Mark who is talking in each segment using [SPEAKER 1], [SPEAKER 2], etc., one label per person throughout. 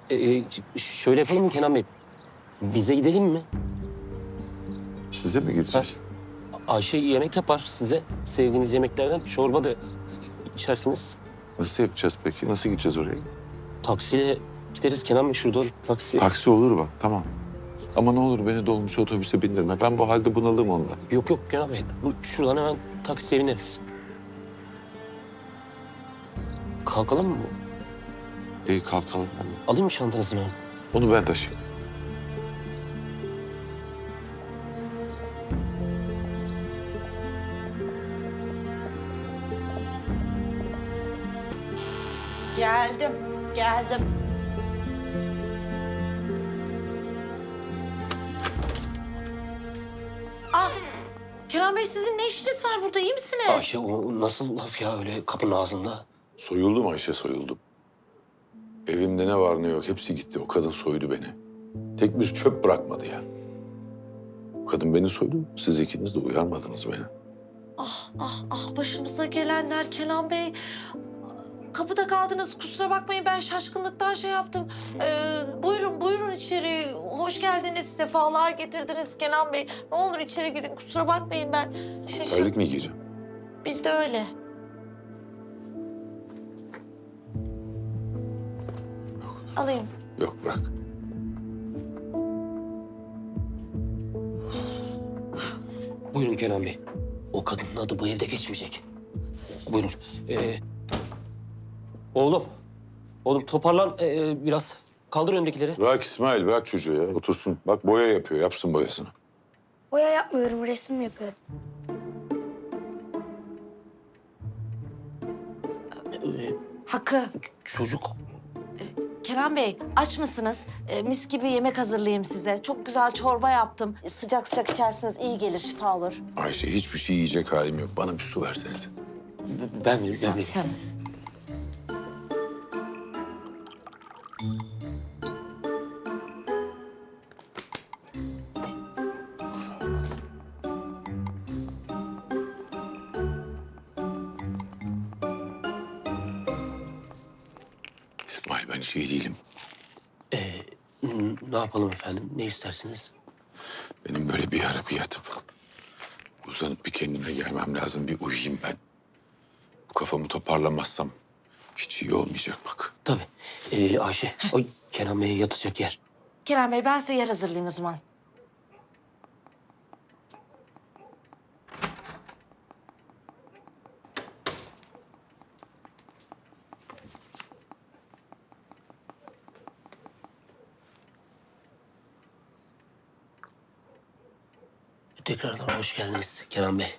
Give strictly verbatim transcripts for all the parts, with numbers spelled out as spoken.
[SPEAKER 1] Ee, şöyle yapalım mı Kenan Bey? Bize gidelim mi?
[SPEAKER 2] Size mi gideceğiz?
[SPEAKER 1] Ayşe yemek yapar size. Sevdiğiniz yemeklerden çorba da içersiniz.
[SPEAKER 2] Nasıl yapacağız peki? Nasıl gideceğiz oraya?
[SPEAKER 1] Taksiyle gideriz Kenan Bey, şuradan taksi.
[SPEAKER 2] Taksi olur bak, tamam. Ama ne olur beni dolmuş otobüse bindirme. Ben bu halde bunalım ondan.
[SPEAKER 1] Yok yok Kenan Bey. Bu, şuradan hemen taksiye bineriz. Kalkalım mı?
[SPEAKER 2] İyi kalkalım. Hadi.
[SPEAKER 1] Alayım mı şantanızı ben?
[SPEAKER 2] Onu ben taşıyayım.
[SPEAKER 3] Geldim, geldim. Ah, Kenan Bey sizin ne işiniz var burada, iyi misiniz?
[SPEAKER 1] Ayşe o nasıl laf ya öyle kapının ağzında?
[SPEAKER 2] Soyuldum Ayşe, soyuldum. Evimde ne var ne yok hepsi gitti. O kadın soydu beni. Tek bir çöp bırakmadı ya. O kadın beni soydu. Siz ikiniz de uyarmadınız beni.
[SPEAKER 3] Ah, ah, ah başımıza gelenler Kenan Bey. Kapıda kaldınız, kusura bakmayın ben şaşkınlıktan şey yaptım. Ee, buyurun, buyurun içeri. Hoş geldiniz, sefalar getirdiniz Kenan Bey. Ne olur içeri girin, kusura bakmayın ben şaşırdım.
[SPEAKER 2] Terlik mi giyeceğim?
[SPEAKER 3] Biz de öyle. Alayım.
[SPEAKER 2] Yok, bırak.
[SPEAKER 1] Buyurun Kenan Bey. O kadının adı bu evde geçmeyecek. Buyurun. Ee, oğlum. Oğlum toparlan ee, biraz. Kaldır öndekileri.
[SPEAKER 2] Bırak İsmail, bırak çocuğu ya. Otursun. Bak boya yapıyor, yapsın boyasını.
[SPEAKER 4] Boya yapmıyorum, resim yapıyorum.
[SPEAKER 1] Ee,
[SPEAKER 3] Hakkı.
[SPEAKER 1] çocuk.
[SPEAKER 3] Kenan Bey, aç mısınız? Ee, mis gibi yemek hazırlayayım size. Çok güzel çorba yaptım. Sıcak sıcak içersiniz, iyi gelir, şifa olur.
[SPEAKER 2] Ayşe hiçbir şey yiyecek halim yok. Bana bir su versenize.
[SPEAKER 1] Ben mi? Ben mi?
[SPEAKER 3] Sen.
[SPEAKER 2] İsmail ben hiç iyi değilim.
[SPEAKER 1] N- Ne yapalım efendim? Ne istersiniz?
[SPEAKER 2] Benim böyle bir ara bir yatıp uzanıp bir kendime gelmem lazım. Bir uyuyayım ben. Bu kafamı toparlamazsam hiç iyi olmayacak bak.
[SPEAKER 1] Tabii. Ee, Ayşe, o Kenan Bey'e yatacak yer.
[SPEAKER 3] Kenan Bey, ben size yer hazırlayayım o zaman.
[SPEAKER 1] Tekrardan hoş geldiniz Kenan Bey.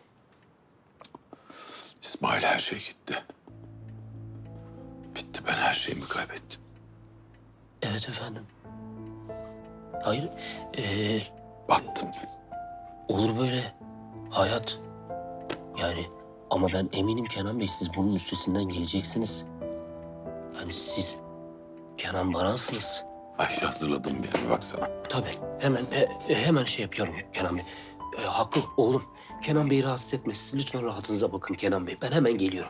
[SPEAKER 2] İsmail her şey gitti. Bitti, ben her şeyimi kaybettim.
[SPEAKER 1] Evet efendim. Hayır, ee,
[SPEAKER 2] Battım.
[SPEAKER 1] olur böyle. Hayat. Yani ama ben eminim Kenan Bey siz bunun üstesinden geleceksiniz. Yani siz Kenan Baran'sınız.
[SPEAKER 2] Ayşe hazırladım bir yere baksana.
[SPEAKER 1] Tabii. Hemen e, e, hemen şey yapıyorum Kenan Bey. E, Hakkı oğlum. Kenan Bey'i rahatsız etmesin. Lütfen rahatınıza bakın Kenan Bey. Ben hemen geliyorum.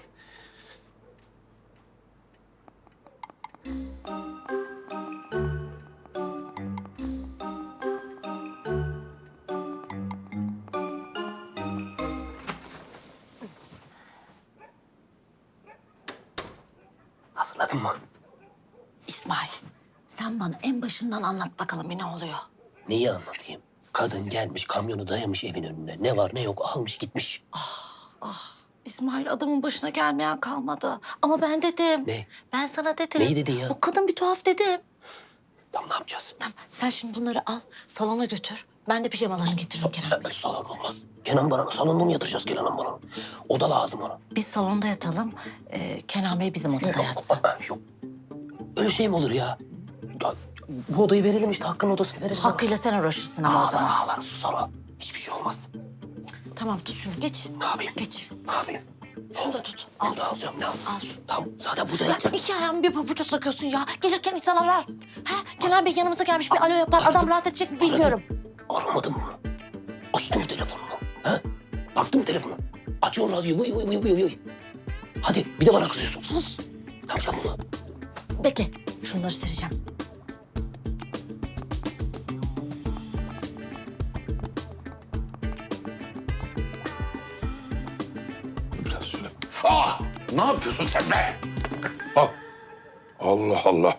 [SPEAKER 1] Hazırladın mı?
[SPEAKER 3] İsmail, sen bana en başından anlat bakalım bir ne oluyor?
[SPEAKER 1] Neyi anlatayım? Kadın gelmiş, kamyonu dayamış evin önüne. Ne var ne yok almış gitmiş.
[SPEAKER 3] İsmail, adamın başına gelmeyen kalmadı. Ama ben dedim.
[SPEAKER 1] Ne?
[SPEAKER 3] Ben sana dedim.
[SPEAKER 1] Neyi dedin ya?
[SPEAKER 3] O kadın bir tuhaf dedim.
[SPEAKER 1] Tam ne yapacağız?
[SPEAKER 3] Tamam, sen şimdi bunları al, salona götür. Ben de pijamalarını getiririm Kenan Bey.
[SPEAKER 1] E, salon olmaz. Kenan Baran'ı salonda mı yatıracağız Kenan Baran'ı? Oda lazım ona.
[SPEAKER 3] Biz salonda yatalım, ee, Kenan Bey bizim odada yatsın.
[SPEAKER 1] Aa, yok. Öyle şey mi olur ya? Ya, bu odayı verelim işte, Hakkı'nın odasını verelim.
[SPEAKER 3] Hakkıyla sen uğraşırsın ama o
[SPEAKER 1] Ağlar
[SPEAKER 3] zaman.
[SPEAKER 1] ağlar susar o. Hiçbir şey olmaz.
[SPEAKER 3] Tamam, tut şunu, geç.
[SPEAKER 1] Ne yapayım?
[SPEAKER 3] Geç.
[SPEAKER 1] Ne yapayım?
[SPEAKER 3] Şunu da tut.
[SPEAKER 1] Al.
[SPEAKER 3] Al.
[SPEAKER 1] Ne alacağım ne al?
[SPEAKER 3] Al şunu.
[SPEAKER 1] Tamam zaten burada
[SPEAKER 3] Ya
[SPEAKER 1] yatacak.
[SPEAKER 3] iki ayağımı bir pabuca sokuyorsun ya. Gelirken insan arar. Ha? Kenan Bey yanımıza gelmiş, bir alo yapar. Adam rahat edecek mi bilmiyorum.
[SPEAKER 1] Aramadın mı? Açtın mı telefonunu? Ha? Baktın mı telefonu? Açıyor radyoyu. Vıy vıy vıy vıy vıy. Hadi bir de bana kızıyorsun.
[SPEAKER 3] Sus.
[SPEAKER 1] Ne yapacağım bunu?
[SPEAKER 3] Bekle. Şunları sereceğim.
[SPEAKER 2] Ah! Ne yapıyorsun sen be? Al. Allah Allah.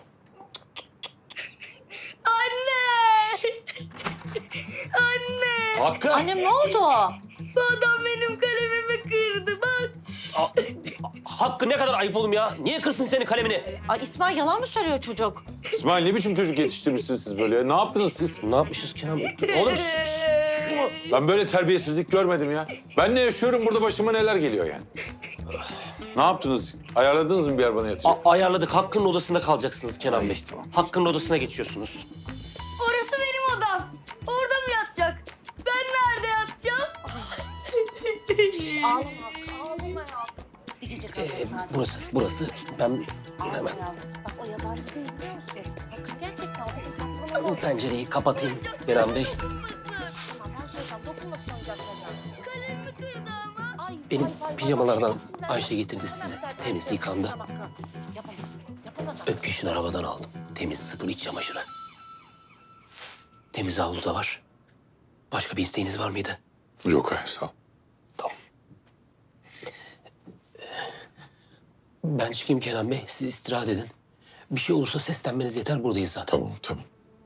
[SPEAKER 4] Anne!
[SPEAKER 1] Hakkı.
[SPEAKER 3] Annem ne oldu?
[SPEAKER 4] Bu adam benim kalemimi kırdı bak.
[SPEAKER 1] A- Hakkı ne kadar ayıp oğlum ya. Niye kırsın senin kalemini?
[SPEAKER 3] Ay İsmail yalan mı söylüyor çocuk?
[SPEAKER 2] İsmail ne biçim çocuk yetiştirmişsiniz siz böyle ya? Ne yaptınız siz?
[SPEAKER 1] Ne yapmışız Kenan Bey? Oğlum şş, şş.
[SPEAKER 2] Ben böyle terbiyesizlik görmedim ya. Ben ne yaşıyorum burada başıma neler geliyor yani. Ne yaptınız? Ayarladınız mı bir yer bana yatacak?
[SPEAKER 1] A- ayarladık. Hakkı'nın odasında kalacaksınız Kenan Bey. Hakkı'nın odasına geçiyorsunuz.
[SPEAKER 4] Orası benim odam. Orada mı yatacak? Ben nerede yatacağım?
[SPEAKER 3] Ağlama Hakkı, ağlama ya. Bir gece kalacak
[SPEAKER 1] Ee,
[SPEAKER 3] zaten.
[SPEAKER 1] burası, burası. Ben
[SPEAKER 3] Ağlama
[SPEAKER 1] hemen
[SPEAKER 3] yavrum. Bak o yabancı değil biliyor musun? Hakkı gerçekten bizim patronumuz.
[SPEAKER 1] pencereyi kapatayım Kenan Bey.
[SPEAKER 3] Tamam ben söyleyeceğim. Dokunmasın oyuncaklarına.
[SPEAKER 4] Kalemimi kırdı ama.
[SPEAKER 3] Ay,
[SPEAKER 1] Benim
[SPEAKER 3] ay, ay, ay,
[SPEAKER 1] pijamalardan
[SPEAKER 3] ay, ay,
[SPEAKER 1] Ayşe getirdi size.
[SPEAKER 3] Hemen bir
[SPEAKER 1] Temiz
[SPEAKER 3] tane-
[SPEAKER 1] yıkandı.
[SPEAKER 3] Tamam, Hakkı. Yapamaz. Yapamaz.
[SPEAKER 1] Öpkeş'in arabadan aldım. Temiz sıfır iç çamaşırı. Temiz havlu da var. Başka bir isteğiniz var mıydı?
[SPEAKER 2] Yok hayır sağ ol.
[SPEAKER 1] Tamam. Ben çıkayım Kenan Bey. Siz istirahat edin. Bir şey olursa seslenmeniz yeter. Buradayız zaten.
[SPEAKER 2] Tamam tamam.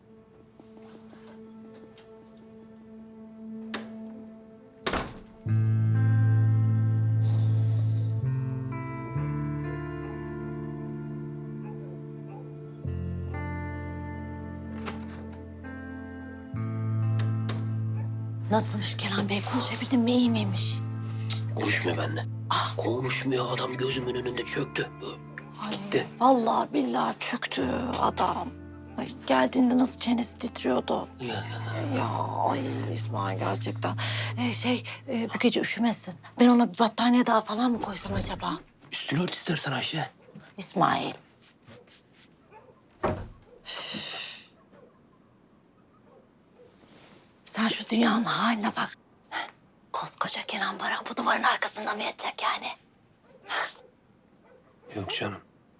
[SPEAKER 3] Nasılmış Kenan Bey? Konuşabildin mi? İyi miymiş?
[SPEAKER 1] Konuşmuyor benimle.
[SPEAKER 3] Ah.
[SPEAKER 1] Konuşmuyor. Adam gözümün önünde çöktü.
[SPEAKER 3] Ay,
[SPEAKER 1] Gitti.
[SPEAKER 3] vallahi billahi çöktü adam. Ay, geldiğinde nasıl çenesi titriyordu.
[SPEAKER 1] Ya, ya.
[SPEAKER 3] Ya ay İsmail gerçekten. Ee, şey e, bu gece üşümesin. Ben ona bir battaniye daha falan mı koysam acaba?
[SPEAKER 1] Üstünü ört istersen Ayşe.
[SPEAKER 3] İsmail. Sen şu dünyanın haline bak. Koskoca Kenan Baran bu duvarın arkasında mı yatacak yani?
[SPEAKER 1] Yok canım.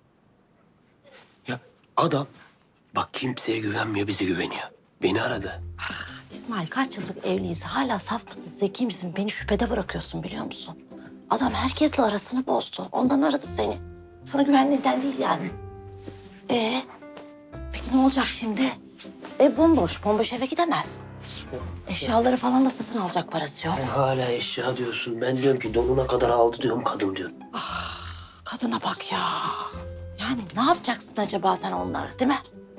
[SPEAKER 1] Ya adam bak kimseye güvenmiyor, bize güveniyor. Beni aradı.
[SPEAKER 3] İsmail kaç yıllık evliyiz. Hala saf mısın, zeki misin? Beni şüphede bırakıyorsun biliyor musun? Adam herkesle arasını bozdu. Ondan aradı seni. Sana güvendiğinden değil yani. Ee, peki ne olacak şimdi? Ev bomboş. Bomboş eve gidemez. Eşyaları falan da satın alacak parası yok.
[SPEAKER 1] Sen hala eşya diyorsun. Ben diyorum ki donuna kadar aldı diyorum kadın diyorum.
[SPEAKER 3] Kadına bak ya. Yani ne yapacaksın acaba sen onlara değil mi?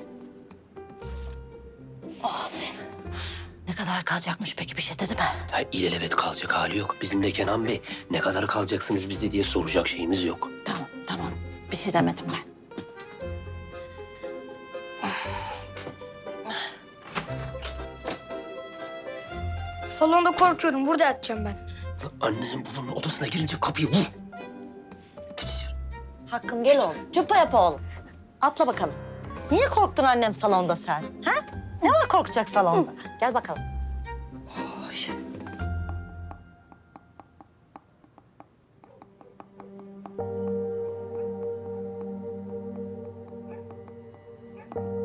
[SPEAKER 3] Oh be. Ne kadar kalacakmış peki bir şey dedi mi?
[SPEAKER 1] Ya ilelebet kalacak hali yok. Bizim de Kenan Bey ne kadar kalacaksınız bizde diye soracak şeyimiz yok.
[SPEAKER 3] Tamam tamam. Bir şey demedim ben.
[SPEAKER 4] Salonda korkuyorum. Burada yatacağım ben.
[SPEAKER 1] Annenin babanın odasına girince kapıyı vur.
[SPEAKER 3] Hakkım gel oğlum. Cuppa yap oğlum. Atla bakalım. Niye korktun annem salonda sen? Ha? Ne var korkacak salonda? Gel bakalım. Oy.